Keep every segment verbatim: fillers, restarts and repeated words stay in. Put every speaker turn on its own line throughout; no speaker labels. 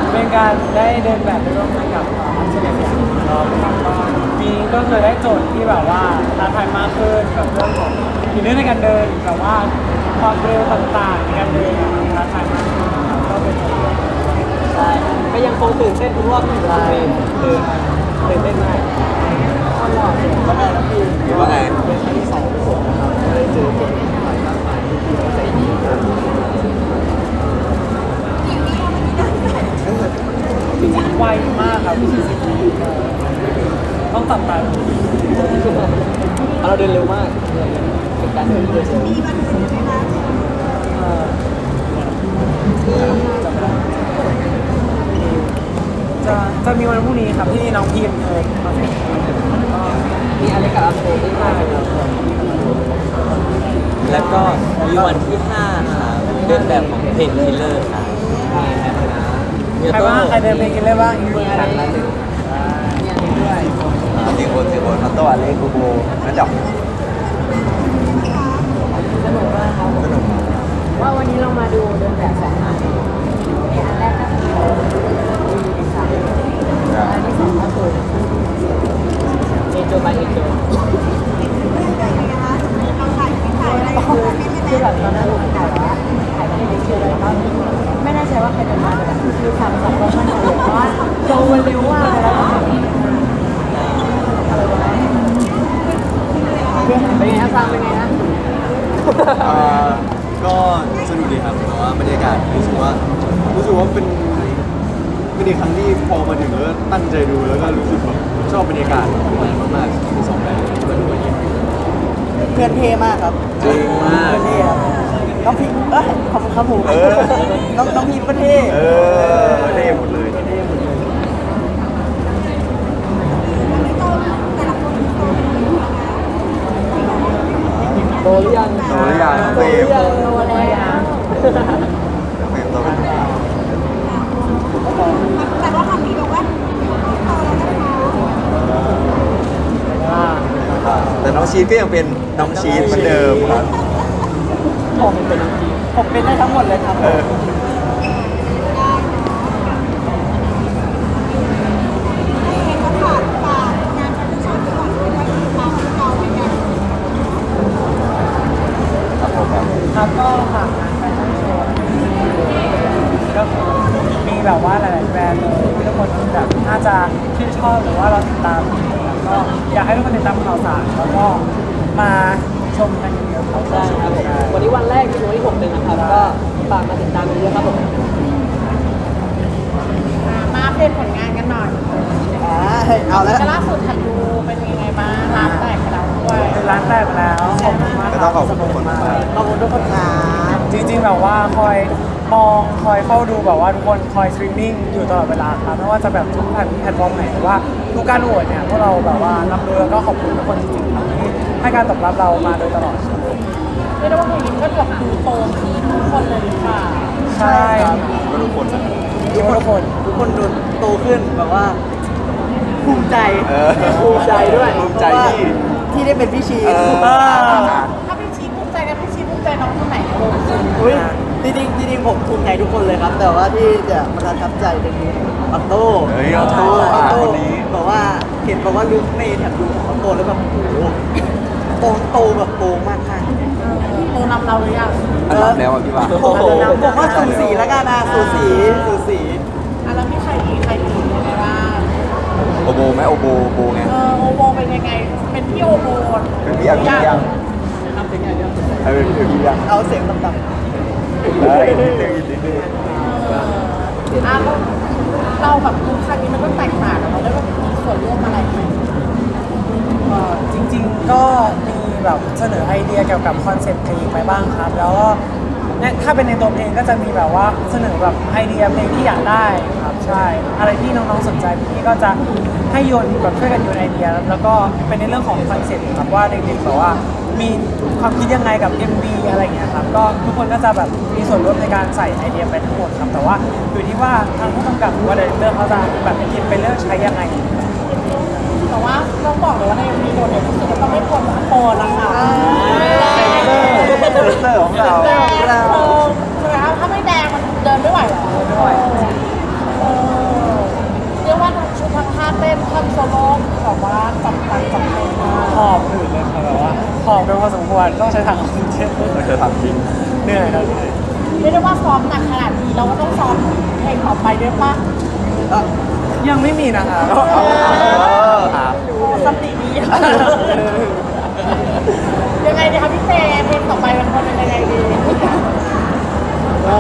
เป็นการได้เดินแบบไปร่วมงานกับอัศวินอย่างรอบครับก็ปีนี้ก็คือได้โจทย์ที่แบบว่าท้าทายมากขึ้นกับเรื่องของอีกเรื่องในการเดินแบบว่าความเร็วต่างๆในการเดินอะท้าทายมากขึ้นครับก็เป็นตัว
ใช่ก็ยังคงตื่นเต้นทุกรอบที่อยู่บนเวทีคือตื่นเต้นมากก็หล่อเสียงก็ได้แล้วพี่
คิดว่าไง
เป็นครั้งที่สองที่ผมนะครับได้เจอคนหลายมากมายที่เขาใจดีมาก
จริงๆไวมากครับสี่สิบปีต้องตัดตาดู
เราเดินเร็วมากเป็นการเดินที่เดินเร็ว
เอ่อจำไม่ได้จะจะมีวันพรุ่งนี้ครับที่น้องพิมพ์เออมาเป็นก็
มีอะไรกับอัพโหลดที่มากเลยครับ
แล้วก็มีวันที่ห้าครับเดินแบบของเพนคิลเลอร์ครับ
มีแอปนะ
ใครบ้างใครเดินเพลงกันเลยบ้างอีก
มี
ค
อะไร
รั้งละหนึ่ง
มีอะไรด้วย
สี่คนสี่คนพัตโต้อเล็กกูโบนั่นดับ
สนุกมากครับผม
สนุก
ว่าวันนี้เรามาดูเดินแบบสองอันในอันแรกก็คือมีดีไซน์อันที่สองก็คือเอโจบายเอโจคือแบบตอนนั้นผมถ่ายว่าถ่ายไม่ได้ชื่ออะไรก็ไม่แน่ใจว่าใครเดินมาแต่แบบคือทำสับก็มั่นใจเลยเพราะว่าโจมันเร็วมากเลยแล้วเป็นไงครับซังเป็นไงนะ
อ่าก็สนุกดีครับแต่ว่าบรรยากาศรู้สึกว่ารู้สึกว่าเป็นเป็นอีกครั้งที่พอมาถึงแล้วตั้งใจดูแล้วก็รู้สึกแบบชอบบรรยากาศมากๆที่สองแบบที่มาดูวันนี้
เพื่อนเท่มากครับ
จริงมาก
เพื่อนเท่ครับน้องพิมเอ้ยขอบคุณครับผม
เออ
น้องน้องพิมก็เท่
เออเท่หมดเลย
เท่หมดเลยโตหรือยัง
โตหรือยัง
โต
เฟร
หรื
ม
อยังโตแล้ว
เฟรมโตเป็น
แต่ว่าคำนี้บอกว่าพอแล้วนะคะ
ว่า
อ่าแต่น้องชีสก็ยังเป็นน้องชีสเหมือนเดิมครับ
ผมเป็นน้องพิมผมเป็นได้ทั้งหมดเลยครับ
เออ
ให้เห็นว่าฝากฝากงานแฟชั่นก่อนด้วยว่าฝากเราเป็นไง
ครับผมครับ
ครับก็ฝากงานแฟชั่นโชว์ก็มีแบบว่าหลายๆแบรนด์เลยที่ทุกคนแบบน่าจะชื่นชอบหรือว่าเราติดตามนะครับก็อยากให้ทุกคนติดตามข่าวสารแล้วก็มาชมกันเยอะๆครับ
ได้ครับผมวันนี้วันแรกที่วันที่หกเลยนะครับ ก็ฝากมาติดตามกันเยอะครับผม
อ่ามาเพจผลงานกันหน่อย
เอาแล้ว
แต่ล่าสุดทันดูเป็นยังไงบ้างร้านแตกไปแล้วด้วย
เป็นร้านแตกไปแล้วขอบคุณมาก
ก็ต้องขอบคุณทุกคนมาก
ขอบคุณทุกคนครับ
จริงๆแบบว่าคอยมองคอยเฝ้าดูแบบว่าทุกคนคอยสตรีมมิ่งอยู่ตลอดเวลาครับไม่ว่าจะแบบทุกแพลตแพลตฟอร์มไหนหรือว่าทุกการโหวตเนี่ยพวกเราแบบว่ารับรู้แล้วก็ขอบคุณทุกคนจริงๆครับที่ให้การตอบรับเรามาโดยตลอดครับ
เรียกได้ว่าเพลงนี้ก็แบบดูโตขึ้นทุกคนเลยหรือเปล่า
ใช่
ก็ทุกคนนะ
ทุกคนทุกคน
ทุกคนดูโตขึ้นแบบว่า ภูมิใจ
เออ
ภูมิใจด้วย
ภูมิใจที่
ที่ได้เป็นพี่ชี
เออ
ถ้าพี่ชีภูมิใจกันพี่ชีภูมิใจน้องคนไหนในวงสุด
อุ้ยจริงๆจริงๆผมภูมิใจทุกคนเลยครับ แต่ว่าที่จะประทับใจจะมีออโต้
เฮ้ยออโต้
ออโต้
คนนี้
บอกว่าเห็นบอกว่าลุคในแถบดูของออโต้แล้วแบบโอ้โหโตโตแบบโตมากค่ะ
โตนำเราหรือยัง
อันดับแล้วอ่ะพี่ว่า
ผมผมว่าสูสีแล้วกันนะสูสีสูสี
อ่ะแล้วมีใครอีกใครอีกยังไงบ้าง
โอโบไหมโอโบโอโบไง
เออโอโบเป็นยังไง เป็นพี่โอโบ
เป็นพี่อาพี่ยัง
ทำถึงอย่างเดียว
เออเป็นพี่ยัง
เอาเสียงต่ำ
เฮ้ยนิดนึงอีกนิดนึง
เอออ่ะเราเราแบบทุกครั้งนี้มันก็แตกต่างอะเราได้แบบมีส่วนร่วมอะไรไหม
เอ่อจริงๆก็มีแบบเสนอไอเดียเกี่ยวกับคอนเซ็ปต์เพลงไปบ้างครับ แล้วก็เนี่ยถ้าเป็นในตัวเพลงก็จะมีแบบว่าเสนอแบบไอเดียเพลงที่อยากได้ครับใช่อะไรที่น้องๆสนใจพี่ก็จะให้โยนแบบช่วยกันโยนไอเดีย แล้วก็เป็นในเรื่องของคอนเซ็ปต์ครับว่าเด็กๆแบบว่ามีความคิดยังไงกับ เอ็ม วี อะไรอย่างเงี้ยครับก็ทุกคนก็จะแบบมีส่วนร่วมในการใส่ไอเดียไปทั้งหมดครับแต่ว่าอยู่ที่ว่าทางผู้กำกับหรือว่าดีเรคเตอร์เขาจะแบบคิดไปเลือกใช้ยังไง
แต่ว่าต้องบอกเลยว่าในมีโดดเด่นที่สุดก็ต้องไม่ควรโตนะคะ
เซนเตอร์ของเรา
แดงเออใช่ไหมคะถ้าไม่แดงมันเดินไม่ไหวหรอ
ด้วย
เออ
ทำจริง
เหนื่อยครับ
เรียกได้ว่าซ้อมหนักขนาดนี้เราก็ต้องซ้อมเพลงต่อไปด้วยป่ะ
ยังไม่มีนะคะ
สติดียังไงดีคะพี่เจเพลงต่อไปมันควรเป็นยังไงดี
ก็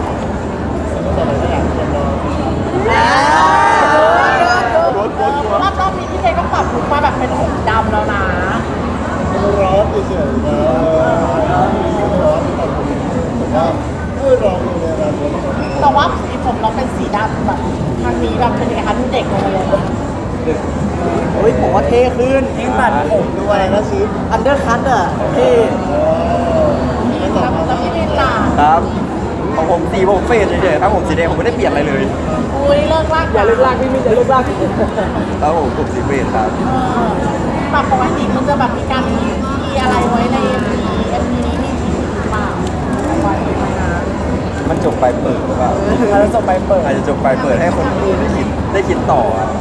รอบรอบนี้พี่เจก็ปรับลุคมาแบบเป็นผมดำแล้วนะ
ร้อนเฉยๆนะร้อนร้อนตอนนี้ผมว่าไม่ร้อนเลยนะ
แต่ว่าสีผมเราเป็นสีดำแบบทางนี้แบบเป็นยังไงคะดูเด็กลงมาเลย
เฮ้ยผมว่าเท่ขึ้น
ยิ่งตัดผม
ดูอะไรนะซิป
อันเดอร์คัทอ่ะเท่
แล้วแล้วพี่ลินล่ะ
ครับของผมสีผมเฟดเฉยๆครับผมสีแดงผมไม่ได้เปลี่ยนอะไรเลย
อุ้ยเลิกลาก
อย่าเลิกลากพี่มินอย่าเลิกลาก
ครับผมผมสีเฟดครับ
เออแบบปกติมันจะแบบมีการมีมีอะไรไว้ในเอ็มวีเอ็มวีนี้มีทีหรือเปล่าไว้ไหมนะ
มันจบไปเปิดหรือเปล่า
เราจะจบไปเปิด
อาจจะจบไปเปิดให้คนดูได้คิดได้คิดต่ออ่ะ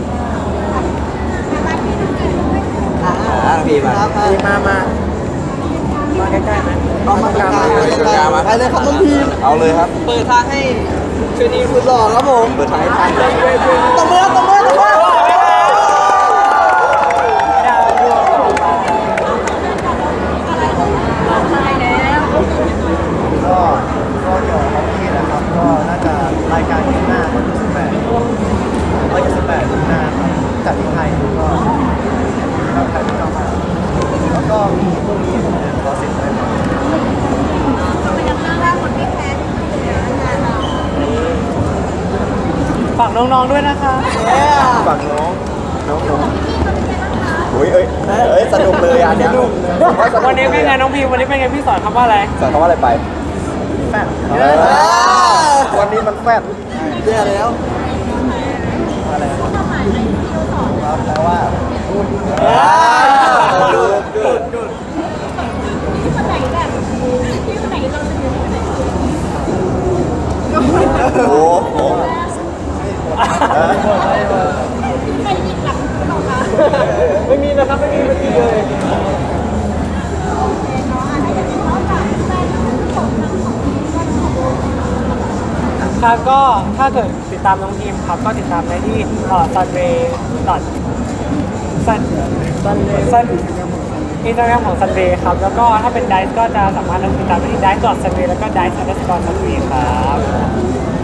อ่าพี่มา
ดีมามามาใกล้ๆไหม
เอามาตรงกลาง
ไปตรงกลางมา
ไปเลยครับน้องพีม
เอาเลยครับ
เปิดทางให้ชนีสุดหล่อครับผม
เปิดท้ายทาง
ตบมือตบมือตบมือ
ดาวดวงต่อไป
ก็ก็เกี่ยวกับฮอกกี้นะครับ ก็น่าจะรายการที่หน้าวันที่สิบแปดวันที่สิบแปดที่หน้าครับจัดที่ไทยก็ก็ไทยที่เรามาแล้วก็มีพวกนี้ผมเนี่ยรอเสร็จไปหมด
ฝากน้องๆด้วยนะคะ
ฝั่งน้องน้องน้องโอ้ยเอ้ยเอ้ยสนุกเลยอันเนี้ยผมว่าสก
วันนี้เป็นไงน้องพีวันนี้เป็นไงพี่สอนคำว่าอะไร
สอนคำว่าอะไรไป
แฟน
เออวันนี้มันแฟด
เย่แล้ว
ครับแปลว่า
ดูดูดูโอ้โห
ไม่มีนะครับไม่มีไม่มีเลย
ครับก็ถ้าเกิดติดตามน้องทีมครับก็ติดตามได้ที่เอ่อ sunway dot sun sun อินสตาแกรมของ sunway ครับ แล้วก็ถ้าเป็น dice ก็จะสามารถติดตามได้ที่ dice dot sunway แล้วก็ dice underscore sunway ครับ